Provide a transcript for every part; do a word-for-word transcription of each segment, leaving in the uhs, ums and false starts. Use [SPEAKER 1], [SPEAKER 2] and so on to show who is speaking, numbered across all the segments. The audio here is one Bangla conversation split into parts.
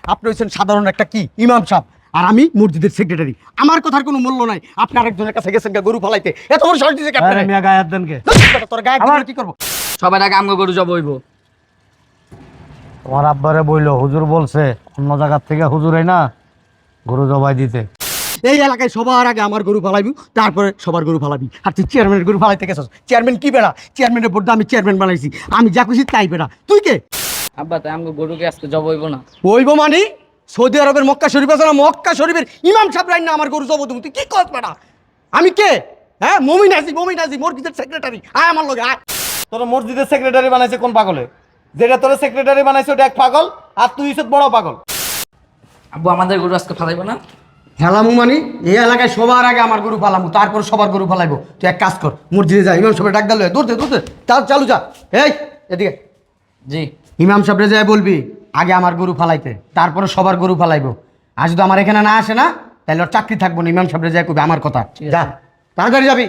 [SPEAKER 1] আপনি হচ্ছেন সাধারণ একটা কি ইমাম সাহেব, আর আমি মসজিদের সেক্রেটারি। আমার কথার কোনো মূল্য নাই। আপনি আরেকজনের কাছে গেছেন গা গরু ফালাইতে, এত বড় সাহস দিয়েছে
[SPEAKER 2] আরে মিয়া গায়ে হাত দেন কে?
[SPEAKER 1] তোর গায়ে
[SPEAKER 2] আমার
[SPEAKER 1] কি করবো?
[SPEAKER 3] সবার আগে আমগো গরু জব হইব।
[SPEAKER 2] তোমার আব্বারে বইলো হুজুর বলছে অন্য জায়গার থেকে হুজুরে না গরু জবাই দিতে।
[SPEAKER 1] এই এলাকায় সবার আগে আমার গরু ফালাইবি, তারপরে সবার গরু ফালাবি। আর তুই চেয়ারম্যানের গরু ফালাইতে গেছিস। চেয়ারম্যান কি বেড়া? চেয়ারম্যানের বোর্ডে আমি চেয়ারম্যান বানাইছি, আমি যা খুশি তাই বেড়া। তুই কে?
[SPEAKER 3] আব্বা তাই আমগো গরুকে আজকে জব হইব না?
[SPEAKER 1] ওইব মানে সৌদি আরবের মক্কা শরীফ আছে না, মক্কা শরীফের ইমাম সাহেব রাইন না আমার গরু জব তুমি। তুই কি কর বেড়া? আমি কে? হ্যাঁ, মমিন আজি, মমিন আজি মসজিদের সেক্রেটারি। আয় আমার লগে আয়।
[SPEAKER 4] তোর মসজিদের সেক্রেটারি বানাইছে কোন পাগলে? যেটা তোর সেক্রেটারি বানাইছে ওটা এক পাগল, আর তুই হচ্ছে বড় পাগল।
[SPEAKER 3] আব্বু আমাদের গরু আজকে ফালাইব না?
[SPEAKER 1] হেলামু মানে এই এলাকায় সবার আগে আমার গরু ফালামু, তারপর সবার গরু ফালাইবো। তুই এক কাজ কর, মসজিদে যা, ইমাম সাহেব ডাক দিল, দূর দে দূর দে, তার চালু যা। এই এদিকে
[SPEAKER 3] জি।
[SPEAKER 1] ইমাম সাহেবরে যাই বলবি আগে আমার গরু ফালাইতে, তারপরে সবার গরু ফালাইবো। আর যদি আমার এখানে না আসে না, তাহলে ওর চাকরি থাকবো না। ইমাম সাহেবরে যাই কবি আমার কথা। যা তাড়াতাড়ি যাবি।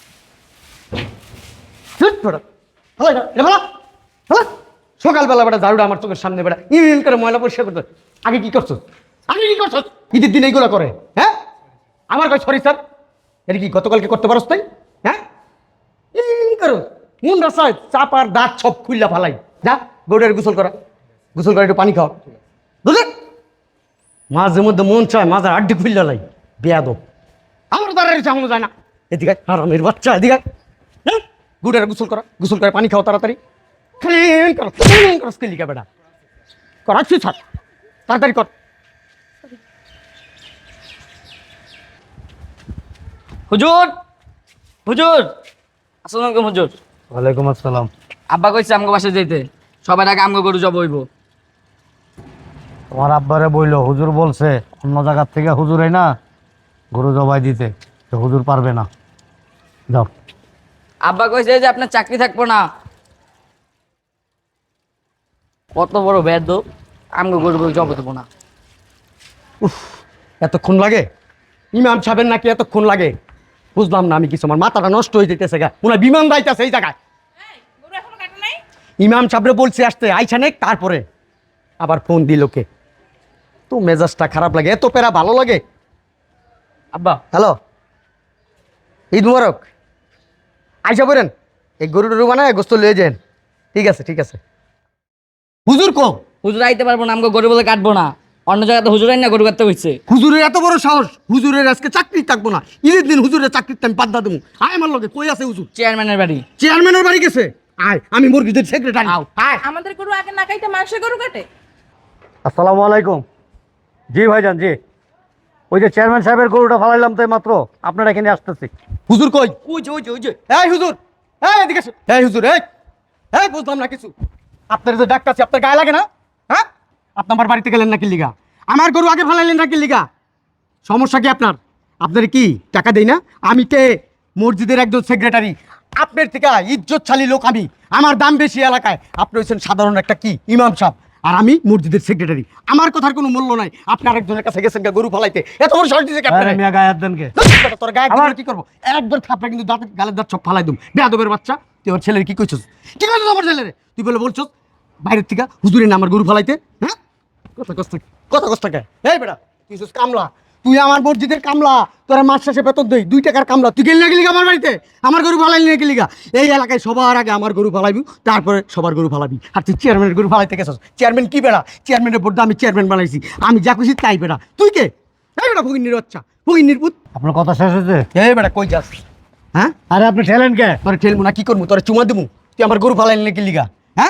[SPEAKER 1] ধ্যাৎ বেটা, ফালাই না, এটা ফালা, ফালা। সকালবেলা বেটা ঝাড়ুটা আমার চোখের সামনে বেটা ইন ইন করে ময়লা পরিষ্কার করতে। আগে কি করছো? আগে কি করছো? ঈদের দিন এইগুলো করে? হ্যাঁ, আমার কাছে সরি স্যার, এটা কি গতকালকে করতে পারস তাই? হ্যাঁ, ইন করো মন রাস্তায় চাপার দাঁত সব খুললা ফালাই। যা গরুর গোসল করা, গোসল করে একটু পানি খাও, বুঝলেন? মাঝে মধ্যে মন চায় মাঝে আড্ডি খুললা লাই বেয়াদব। আমার দ্বারা চালানো যায় না। এদিকে আরামের বাচ্চা, এদিকে গুড়ের গোসল করা, গোসল করে পানি খাও তাড়াতাড়ি। ক্লিন করো, ক্লিন করো, স্কিলিকা বেটা করাচ্ছি ছাড়, তাড়াতাড়ি কর।
[SPEAKER 3] হুজুর, হুজুর, আসসালামু আলাইকুম হুজুর।
[SPEAKER 2] ওয়ালাইকুম আসসালাম।
[SPEAKER 3] আব্বা কইছে আমগো বাসায় যাইতে, সবার আগে আমগো গরু জব হইব।
[SPEAKER 2] তোমার আব্বারে বইলো হুজুর বলছে অন্য জায়গার থেকে হুজুরে না গরু জবাই দিতে, তো হুজুর পারবে না। যাও।
[SPEAKER 3] আব্বা কইছে যে আপনার চাকরি থাকবো না। কত বড় বেদ, আমগো গরু গরু জব দেবো না।
[SPEAKER 1] এতক্ষণ লাগে ইমাম সাহেবের নাকি এতক্ষণ লাগে? বুঝলাম না আমি কিছু, আমার মাথাটা নষ্ট হয়ে যেতেছে গা। মনে হয় বিমান যাইতেছে এই জায়গায়। ইমাম সাহেবরে বলছি আসতে, আইসা নেক, তারপরে আবার ফোন দিল কে? তো মেজাজটা খারাপ লাগে, এত পেরা ভালো লাগে?
[SPEAKER 3] আব্বা
[SPEAKER 1] হ্যালো, ঈদ মুবারক। আইসা বলেন এই গরু টরু বানায় গোস্ত লয়ে যান। ঠিক আছে ঠিক আছে। হুজুর কো?
[SPEAKER 3] হুজুর আইতে পারবো না, আমগো গরু বলে কাটবো না। অন্য জায়গাতে হুজুর আইন না গরু কাটতে হইছে।
[SPEAKER 1] হুজুরের এত বড় সাহস? হুজুরের আজকে চাকরি থাকবো না, ঈদের দিন হুজুরের চাকরিতে আমি বাদ দেবো। আয় আমার লগে, কই আছে হুজুর?
[SPEAKER 3] চেয়ারম্যানের বাড়ি।
[SPEAKER 1] চেয়ারম্যানের বাড়ি গেছে। আয়, আমি মসজিদের সেক্রেটারি। আয়।
[SPEAKER 5] আমাদের গরু আগে না খাইতে মানুষের গরু কাটে?
[SPEAKER 2] আসসালামু আলাইকুম। জি ভাইজান, জি। ওই যে চেয়ারম্যান সাহেবের গরুটা ফালাইলাম তো মাত্র, আপনার এখানে আসতেছি।
[SPEAKER 1] হুজুর কই? ওই যে ওই যে ওই যে এই হুজুর, এই এদিকে আসো। এই হুজুর, এই এই বুঝলাম না কিছু। আপনার যে ডাক্তার আছে, আপনার গায়ে লাগে না? হ্যাঁ, আপনি আমার বাড়িতে গেলেন নাকি লিগা? আমার গরু আগে ফালাইলেন নাকি লিগা? সমস্যা কি আপনার? আপনার কি টাকা দেই না? আমি কে? মসজিদের একজন সেক্রেটারি। আপনার থেকে ইজ্জতশালী লোক আমি, আমার দাম বেশি এলাকায়। আপনি হচ্ছেন সাধারণ একটা কি ইমাম সাহেব, আর আমি মসজিদের সেক্রেটারি। আমার কথার কোনো মূল্য নাই। আপনি আরেকজনের কাছে গেছেন গা গরু ফালাইতে, এত বড় সাহস দিয়েছে
[SPEAKER 2] আরে মিয়া গায়ে হাত দেন কে?
[SPEAKER 1] তোর গায়ে আমার কি করবো? একবার থাপড়া কিন্তু দাঁত গালের দাঁত সব ফালাই দুম। বেয়াদবের বাচ্চা, তুই ওর ছেলের কি কইছস? কি কইছস আমার ছেলেরে? তুই বলে বলছস বাইরের থেকে হুজুরের না আমার গরু ফালাইতে? হ্যাঁ, কথা কষ্ট কথা কষ্ট কে? এই বেটা, তুই হচ্ছিস কামলা। তুই আমার মসজিদের কামলা, তোরা মাস শেষে বেতন দেই দুই টাকার কামলা। তুই গেলি না গেলি আমার বাড়িতে? আমার গরু ফালাইলি না গেলি গা? এই এলাকায় সবার আগে আমার গরু ফালাইবি, তারপরে সবার গরু ফালাবি। আর তুই চেয়ারম্যানের গরু ফালাইতে গেছস। চেয়ারম্যান কি বেড়া? চেয়ারম্যানের বোর্ডে আমি চেয়ারম্যান বানাইছি, আমি যা খুশি তাই বেড়া। তুই কে? এই বেটা ফকিন্নির বাচ্চা, ফকিন্নির পুত।
[SPEAKER 2] আপনার কথা শেষ হয়েছে?
[SPEAKER 1] এই বেটা কই যাস? হ্যাঁ,
[SPEAKER 2] আরে আপনি ঠেলেন কে?
[SPEAKER 1] তোরে ঠেলবো না, কি করবো? তোরে চুমা দেবো? তুই আমার গরু ফালাইলি নাকি লিগা? হ্যাঁ,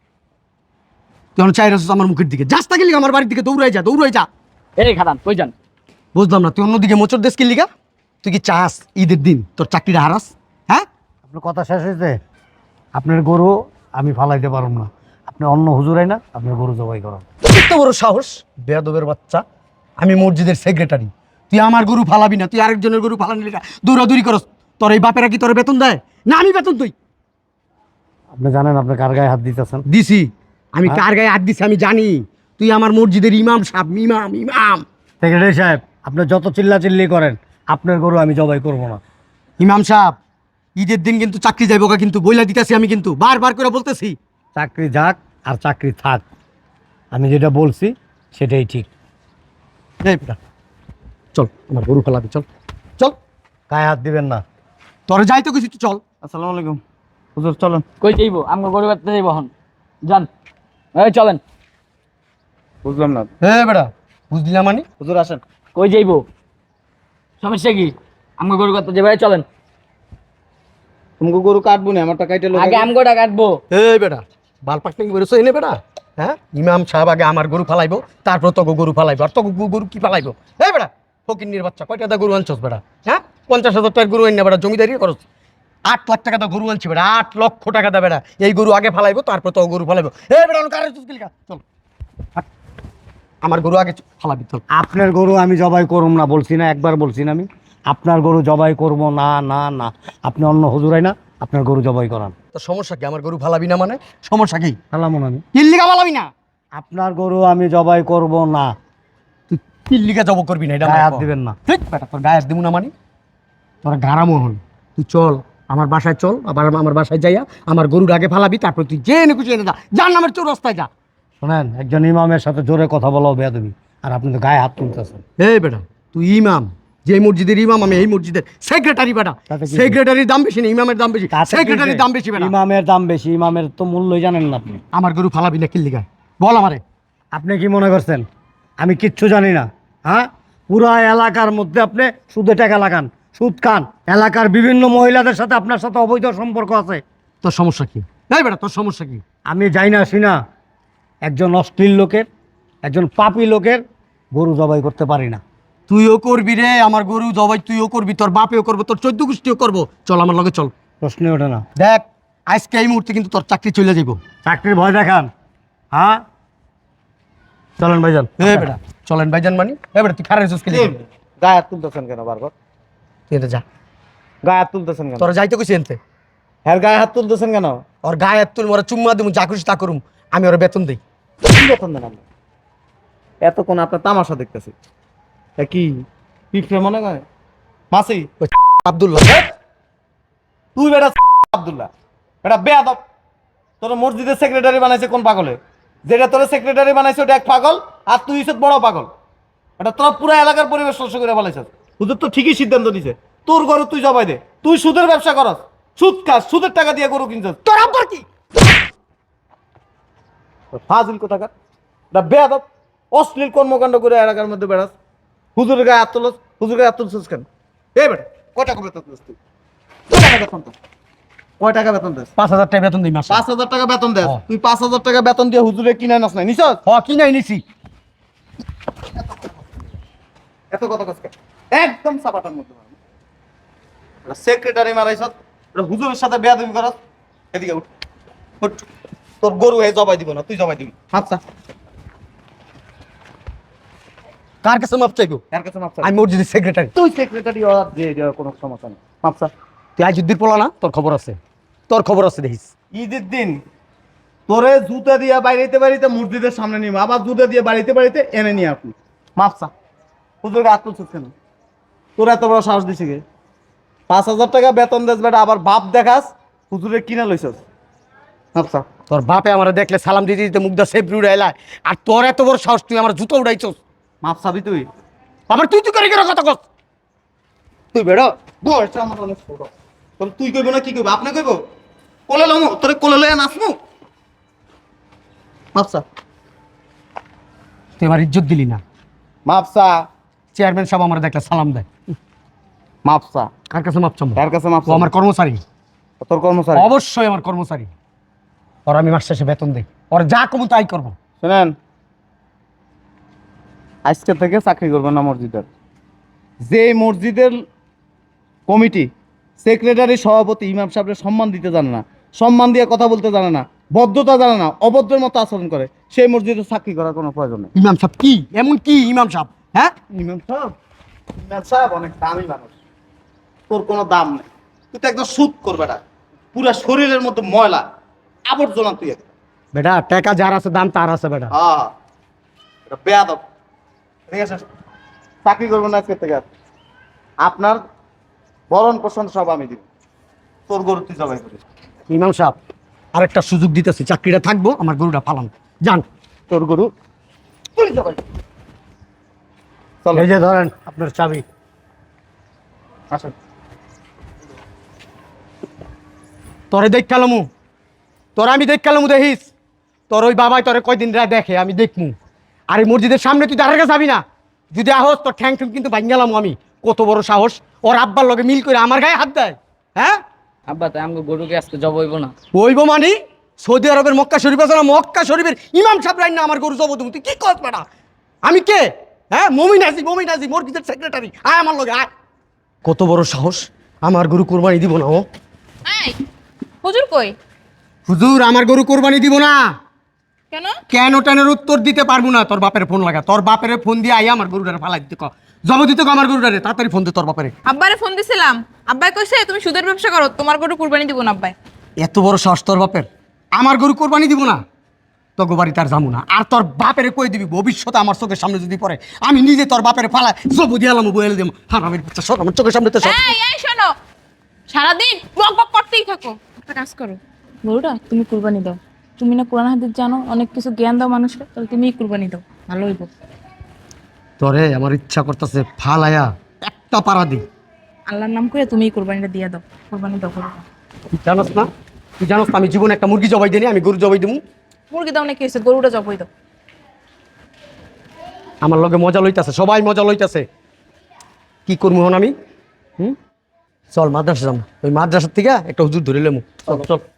[SPEAKER 1] তুই আমার চাই রাখছিস আমার মুখের দিকে। যাস তাকে লিগা আমার বাড়ির দিকে দৌড়াই যা, দৌড়াই যা।
[SPEAKER 3] এই খাদান কই যান?
[SPEAKER 1] বুঝলাম না, তুই অন্যদিকে মোচর দেশ কি লিগা? তুই কি চাস ঈদের দিন তোর চাকরিটা হারাস? হ্যাঁ,
[SPEAKER 2] আপনার কথা শেষ হয়েছে? আপনার গরু আমি ফালাইতে পারব না। আপনি অন্য হুজুরাই না, আপনার গরু জবাই করেন।
[SPEAKER 1] এত বড় সাহস বেয়াদবের বাচ্চা! আমি মসজিদের সেক্রেটারি, তুই আমার গরু ফালাবি না? তুই আরেকজনের গরু ফালানি লিগা দৌড়াদৌড়ি করস। তোর এই বাপেরা কি তোর বেতন দেয় না? আমি বেতন তুই
[SPEAKER 2] আপনি জানেন আপনি কার গায়ে হাত দিতেছেন?
[SPEAKER 1] দিছি। আমি কার গায়ে হাত দিছি আমি জানি। তুই আমার মসজিদের ইমাম সাহেব, ইমাম ইমাম
[SPEAKER 2] সেক্রেটারি সাহেব, আপনি যত চিল্লা চিল্লি করেন, আপনার গরু আমি জবাই করব না।
[SPEAKER 1] ইমাম সাহেব, ঈদের দিন কিন্তু চাকরি যাইব গা, কিন্তু বইলা দিতেছি আমি, কিন্তু বারবার করে বলতেছি।
[SPEAKER 2] চাকরি যাক আর চাকরি থাক, আমি যেটা বলছি সেটাই ঠিক।
[SPEAKER 1] এই বেটা চল আমার গরু ফেলাবি, চল চল।
[SPEAKER 2] গায়ে হাত দিবেন না।
[SPEAKER 1] তোরে যাইতে কিছু তুই চল।
[SPEAKER 4] আসসালামু আলাইকুম হুজুর, চলেন।
[SPEAKER 3] কই যাইবো? আমগো গরু কাটতে যাইবো এখন। যান, এই চলেন।
[SPEAKER 4] বুঝলাম না
[SPEAKER 1] হ্যাঁ বেটা বুঝলি না মানে?
[SPEAKER 4] হুজুর, আসেন।
[SPEAKER 3] কই যাইবো? সমস্যা কি? আমগো গরু কাটতে যাইবো, এই চলেন।
[SPEAKER 4] তুমি গরু কাটবো না, আমারটা কাইটে লোক
[SPEAKER 3] আগে আমগোটা কাটবো।
[SPEAKER 1] এই বেটা বাল পাকনি বেরোছো এনে বেটা, হ্যাঁ? ইমাম সাহেব আগে আমার গরু ফালাইবো, তারপর তোকে গরু ফালাইবো, আর তোকে গু- গরু কি ফালাইবো? এই বেটা ফকিন্নির বাচ্চা, কয় টাকা গরু আনছস বেটা? হ্যাঁ, পঞ্চাশ হাজার টাকার গরু আনি না বেটা, জমিদারি করছ। আট লাখ টাকা তো গরু আনছি বেটা, আট লক্ষ টাকা দা বেটা। এই গরু আগে ফালাইবো, তারপর তো গরু ফালাইবো। এই বেটা কারের চুস্কিলিকা চল, হাট। আমার গরু আগে চ- ফালাবি চল।
[SPEAKER 2] আপনার গরু আমি জবাই করব না বলছি না? একবার বলছি না আমি আপনার গরু জবাই করব না? না না, আপনি অন্য হুজুরাই না, আপনার গরু জবাই করান।
[SPEAKER 1] তোর সমস্যা কি? আমার গরু ফালাবি না মানে সমস্যা কি?
[SPEAKER 2] সালামন আমি
[SPEAKER 1] কিল্লিকা ফালাবি না?
[SPEAKER 2] আপনার গরু আমি জবাই করব না।
[SPEAKER 1] তুই কিল্লিকা জব করবি না, এটা
[SPEAKER 2] গায়ে
[SPEAKER 1] আমার
[SPEAKER 2] হাত
[SPEAKER 1] কর।
[SPEAKER 2] দিবেন না।
[SPEAKER 1] ঠিক বেটা, তোর গায়ে হাত দিব না মানে? তোর গাড়া মোহন, তুই চল আমার বাসায় চল, আবার আমার বাসায় যাইয়া আমার গরুর আগে ফালাবি, তারপর তুই যে এনে খুশি এনে যা, যার নামের চোর রাস্তায় যা।
[SPEAKER 2] শোনেন, একজন ইমামের সাথে জোরে কথা বলাও বেয়াদবি, আর আপনি তো গায়ে হাত তুলতেছেন।
[SPEAKER 1] এই বেটা তুই ইমাম, যে মসজিদের ইমাম আমি এই মসজিদের সেক্রেটারি বেটা।
[SPEAKER 2] তাতে কি?
[SPEAKER 1] সেক্রেটারির দাম বেশি না ইমামের দাম বেশি,
[SPEAKER 2] তাতে কি
[SPEAKER 1] সেক্রেটারির
[SPEAKER 2] যে?
[SPEAKER 1] দাম বেশি বেটা।
[SPEAKER 2] ইমামের দাম বেশি, ইমামের তো মূল্যই জানেন না আপনি।
[SPEAKER 1] আমার গরু ফালাবি না কিল্লিকা বল আমারে।
[SPEAKER 2] আপনি কি মনে করছেন আমি কিচ্ছু জানি না? হ্যাঁ, পুরা এলাকার মধ্যে আপনি সুদে টাকা লাগান, সুদ খান, এলাকার বিভিন্ন মহিলাদের সাথে আপনার সাথে অবৈধ সম্পর্ক আছে।
[SPEAKER 1] তোর সমস্যা কি? এই বেটা তোর সমস্যা কি?
[SPEAKER 2] আমি যাই না আসি না, একজন অশ্লীল লোকের, একজন পাপী লোকের গরু জবাই করতে পারি না।
[SPEAKER 1] তুইও করবি রে আমার গরু জবাই, তুইও করবি, তোর বাপেও করবো, তোর চোদ্দ গোষ্ঠীও করবো। চল আমার লগে চল।
[SPEAKER 2] প্রশ্নই ওঠে না।
[SPEAKER 1] দেখ আজকে এই মুহূর্তে কিন্তু তোর চাকরি চলে যাবো।
[SPEAKER 2] চাকরির ভয় দেখান? হ্যাঁ, চলেন ভাইজান।
[SPEAKER 1] এ বেটা চলেন ভাইজান মানি। এ বেটা তুই খারাপ রেছিস কি?
[SPEAKER 4] গায়ে হাত তুলতেছেন কেন বারবার?
[SPEAKER 1] তুই এটা যা,
[SPEAKER 4] গায়ে হাত তুলতেছেন কেন?
[SPEAKER 1] তোর যাইতে কইছি এনতে।
[SPEAKER 4] হ্যাঁ, গায়ে হাত তুলতেছেন কেন?
[SPEAKER 1] ওর গায়ে হাত তুল, মোরা চুম্মা দিমু, যা খুশি তা করুম, আমি ওর বেতন দেই।
[SPEAKER 4] কি বেতন দেন আপনি? এতক্ষণ আপনার তামাশা দেখতেছি। এ কি পিঁপড়ে মনে করে মাসি?
[SPEAKER 1] ওই আব্দুল্লাহ
[SPEAKER 4] তুই বেটা আব্দুল্লাহ, এটা বেয়াদব। তোর মসজিদের সেক্রেটারি বানাইছে কোন পাগলে? যেটা তোর সেক্রেটারি বানাইছে ওটা এক পাগল, আর তুই হচ্ছে বড় পাগল। এটা তোর পুরো এলাকার পরিবেশ নষ্ট করে বলাইছ। হুজুর তো ঠিকই সিদ্ধান্ত নিছে, তোর গরু তুই জবাই দে। তুই সুদের ব্যবসা করস, সুদ খাস, সুদের টাকা দিয়ে গরু কিনছস।
[SPEAKER 1] তোর আব্বার কি?
[SPEAKER 4] ফাজিল কোথাকার, এটা বেয়াদব, অশ্লীল কর্মকাণ্ড করে এলাকার মধ্যে বেড়াস। হুজুরের গায়ে হাত তুলস, হুজুর গায়ে হাত তুলছিস কেন? এই বেটা কয় টাকা বেতন দিস তুই? কয় টাকা বেতন তোর? কয় টাকা বেতন দিস?
[SPEAKER 1] পাঁচ হাজার টাকা বেতন দিই মাসে।
[SPEAKER 4] পাঁচ হাজার টাকা বেতন দেস?
[SPEAKER 1] হ্যাঁ।
[SPEAKER 4] তুই পাঁচ হাজার টাকা বেতন দিয়ে হুজুরে কিনে নাস নাই নিছস?
[SPEAKER 1] হ কি নাই নিছি।
[SPEAKER 4] এত কথা কসকে একদম সাপাটার মধ্যে মারবো। এটা সেক্রেটারি মারাইছ, এটা হুজুরের সাথে বেয়াদবি করস। এদিকে উঠ, উঠ। তোর গরু হে জবাই দিব না, তুই জবাই দিবি। আচ্ছা,
[SPEAKER 1] কার কাছে মাপ চাইবো?
[SPEAKER 4] এর কাছে মাপ চা।
[SPEAKER 1] আমি মসজিদের সেক্রেটারি।
[SPEAKER 4] তুই সেক্রেটারি আর যে যে কোনো সমস্যা নেই, মাপ চা।
[SPEAKER 1] তুই আজ উদ্দির পোলা না? তোর খবর আছে, তোর খবর আছে দেখিস।
[SPEAKER 4] ঈদের দিন তোরে জুতা দিয়ে বাড়িতে বাড়িতে মসজিদের সামনে নিয়ে আবার জুতা দিয়ে বাড়িতে বাড়িতে এনে নিয়ে আপনি মাপসা হুজুরকে আত্মচ্ছেদ কেন? তোর এত বড় সাহস দিছে কে? পাঁচ হাজার টাকা বেতন দেস বেটা, আবার বাপ দেখাস হুজুরে কিনা লইছস। মাপসা
[SPEAKER 1] তোর বাপে আমার দেখলে সালাম দিতে দিতে মুগ্ধা সেফ রুড়ে এলায়, আর তোর এত বড় সাহস তুই আমার জুতো উড়াইছস।
[SPEAKER 4] মাপসাবি তুই?
[SPEAKER 1] আবার তুই তুই করে কেন কথা কস?
[SPEAKER 4] তুই বেড়ো বয়সটা আমার অনেক ছোট। তোর তুই কইব না কি কইব? আপনি কইব? কোলে লমু তোরে কোলে লইয়া নাচমু? মাপসা
[SPEAKER 1] তুই আমার ইজ্জত দিলি না।
[SPEAKER 4] মাপসা
[SPEAKER 1] চেয়ারম্যান সাহেব আমার দেখলে সালাম দেয়।
[SPEAKER 4] মাপসা
[SPEAKER 1] কার কাছে মাপ চাবো?
[SPEAKER 4] কার কাছে
[SPEAKER 1] ও
[SPEAKER 4] মাপসা?
[SPEAKER 1] আমার কর্মচারী,
[SPEAKER 4] তোর কর্মচারী?
[SPEAKER 1] অবশ্যই আমার কর্মচারী। ওর আমি মাস শেষে বেতন দেই, ওর যা কমু তাই করবো।
[SPEAKER 4] শুনেন, আজকে থেকে চাকরি করবেন না মসজিদের। যে মসজিদের কমিটি, সেক্রেটারি, সভাপতি, ইমাম সাহেবের সম্মান দিতে জানে না, সম্মান দিয়ে কথা বলতে জানে না, বদ্ধতা জানে না, অভদ্রের মতো আচরণ করে, সেই মসজিদে চাকরি করার কোনো প্রয়োজন নেই।
[SPEAKER 1] ইমাম সাহেব কি এমন কি ইমাম সাহেব? হ্যাঁ
[SPEAKER 4] ইমাম সাহেব, ইমাম সাহেব অনেক দামি মানুষ, তোর কোনো দাম নেই। তুই তো একদম সুদ করবে না, পুরা শরীরের মধ্যে ময়লা আবর্জনা তুই একটা।
[SPEAKER 1] বেটা টাকা যার আছে দাম তার আছে বেটা।
[SPEAKER 4] হ্যাঁ, এটা বেয়াদব। ঠিক আছে, চাকরি করবো না আজকে থেকে আর। আপনার ভরণ পোষণ সব আমি দিব। তোর গরু তুই জবাই করিস।
[SPEAKER 1] ইমাম সাহেব আরেকটা সুযোগ দিতেছি, চাকরিটা থাকবো, আমার গরুটা ফালান যান।
[SPEAKER 4] তোর গরু চলো
[SPEAKER 2] এই যে ধরেন আপনার চাবি।
[SPEAKER 4] আসেন।
[SPEAKER 1] তোরে দেখ কালামু, তোর আমি দেখ কালামু দেখিস, তোর ওই বাবাই তোরে কয়দিন রায় দেখে আমি দেখমু। আর এই মসজিদের সামনে তুই দাঁড়ার কাছে যাবি না, যদি আহস তোর ঠ্যাং ঠ্যাং কিন্তু ভাঙ্গালাম আমি। কত বড় সাহস, ওর আব্বার লগে মিল করে আমার গায়ে হাত দেয়। হ্যাঁ
[SPEAKER 3] আব্বা তাই আমাকে গরুকে আজকে জব হইব না?
[SPEAKER 1] ওইব মানি সৌদি আরবের মক্কা শরীফ আছে না, মক্কা শরীফের ইমাম সাহেব রাইন না আমার গরু জব তুমি, তুই কি কর বেটা? আমি কে? হ্যাঁ মমিন আছি, মমিন আছি, মসজিদের সেক্রেটারি। আয় আমার লগে আয়। কত বড় সাহস, আমার গরু কোরবানি দিব না ও?
[SPEAKER 5] এই হুজুর কই?
[SPEAKER 1] হুজুর আমার গরু কোরবানি দিব না।
[SPEAKER 5] কেন?
[SPEAKER 1] কেন টেনের উত্তর দিতে পারবো না। তোর বাপের ফোন লাগা, তোর বাপের ফোন দিয়ে আই আমার গরুটারে ফালাই দিতে ক, জব দিতে ক আমার গরুটারে, তাড়াতাড়ি ফোন দে তোর বাপেরে।
[SPEAKER 5] আব্বারে ফোন দিছিলাম, আব্বাই কইছে তুমি সুদের ব্যবসা করো, তোমার গরু কুরবানি দিব না আব্বাই।
[SPEAKER 1] এত বড় সাহস তোর বাপের, আমার গরু কোরবানি দিব না? তোকে বাড়ি তার যাবো না। আর তোর বাপেরে কই দিবি ভবিষ্যতে আমার চোখের সামনে যদি পড়ে, আমি নিজে তোর বাপের ফালা জব দিয়ে আলাম বইলে দিব। হ্যাঁ আমি সব আমার চোখের সামনে তো সব।
[SPEAKER 5] এই এই শোনো, সারাদিন বক বক করতেই থাকো, একটা কাজ করো, গরুটা তুমি কুরবানি দাও। তুমি না কোরআন হাদিস জানো, অনেক কিছু জ্ঞান দাও মানুষকে, তাহলে তুমিই কুরবানি দাও, ভালো হইব।
[SPEAKER 1] তোরে আমার ইচ্ছা করতেছে ফালায়া একটা পাড়া দি।
[SPEAKER 5] আল্লাহর নাম করে তুমিই কুরবানিটা দিয়ে দাও, কুরবানি দাও করো।
[SPEAKER 1] তুই জানোস না, তুই জানোস না আমি জীবনে একটা মুরগি জবাই দিই, আমি গরু জবাই দিমু।
[SPEAKER 5] মুরগি দাও না কি হয়েছে, গরুটা জবই দাও।
[SPEAKER 1] আমার লগে মজা লইতাছে, সবাই মজা লইতাছে। কি করবো হন আমি? হুম চল মাদ্রাসা যাম, ওই মাদ্রাসার থেকে একটা হুজুর ধরে লেমু। চল চল।